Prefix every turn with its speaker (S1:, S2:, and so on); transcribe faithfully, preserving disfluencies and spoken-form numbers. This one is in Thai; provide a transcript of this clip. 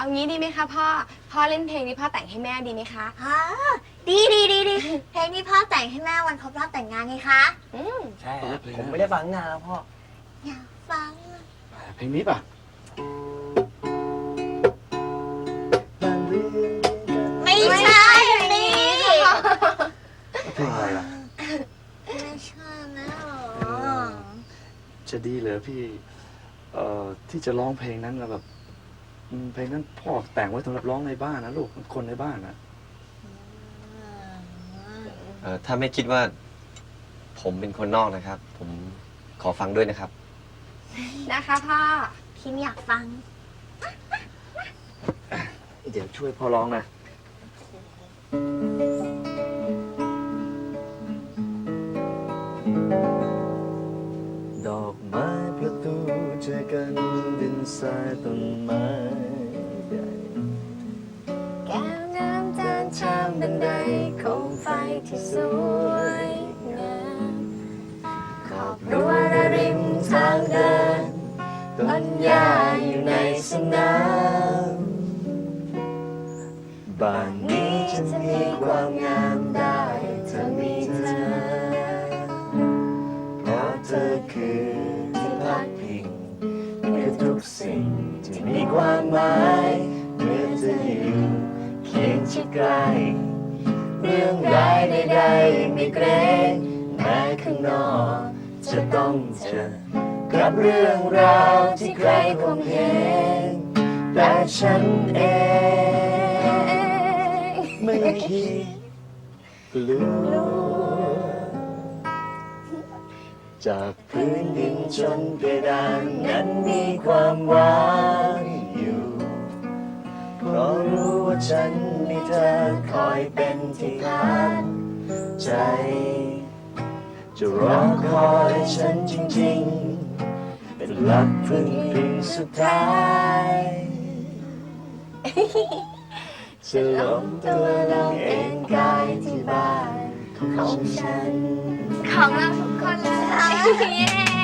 S1: งี้ดีไหมคะพ่อพ่อเล่นเพลงนี้พ่อแต่งให้แม่ดีไหมคะ
S2: ฮะดีดีดีดีเพลงที่พ่อแต่งให้แม่วันครบรอบแต่งงานไงคะ
S1: อืม
S3: ใช่ครับผมไม่ได้ฟังนานแล้วพ่อ
S2: อยากฟัง
S3: เพลงนี้ป่ะ
S2: ไม่ใช่นี่
S3: เพลงอะไรล่ะ
S2: ไม่ใช่นะ
S3: จะดีเหรอพี่เอ่อที่จะร้องเพลงนั้นแบบเพลงนั้นพ่อแต่งไว้สำหรับร้องในบ้านนะลูกคนในบ้านนะ
S4: เอ่อถ้าไม่คิดว่าผมเป็นคนนอกนะครับ ผมขอฟังด้วยนะครับ
S1: นะคะพ่อ
S2: พิมอยากฟัง
S3: เดี๋ยวช่วยพ่อร้องนะดอกไม้ประตูเจอกันดินทรายต้นไม้ใหญ่
S1: แก้วน้ำจานชามบันไดโคมไฟที่สวยงามขอบรั้วระริมทางเดินต้นหญ้าอยู่ในสนาม
S3: บ้านนี้จะมีความงามได้เธอมีเธอเพราะเธอคือที่พักพิงคือทุกสิ่งที่มีความหมายเมื่อเธออยู่เคียงชิดใกล้เรื่องร้ายใดๆไม่เกรงแม้ข้างนอกจะต้องเจอกับเรื่องราวที่ใครคงเห็นแต่ฉันเองไม่คิดกลัวจากพื้นดินจนเพดานนั้นมีความหวังอยู่เพราะรู้ว่าฉันมีเธอคอยเป็นที่พักใจจะรอคอยฉันจริงๆเป็นหลักพึ่งพิงสุดท้ายจะล้มตัวลงเองกายที่บ้านของฉัน
S1: ของเราทุกคนเลย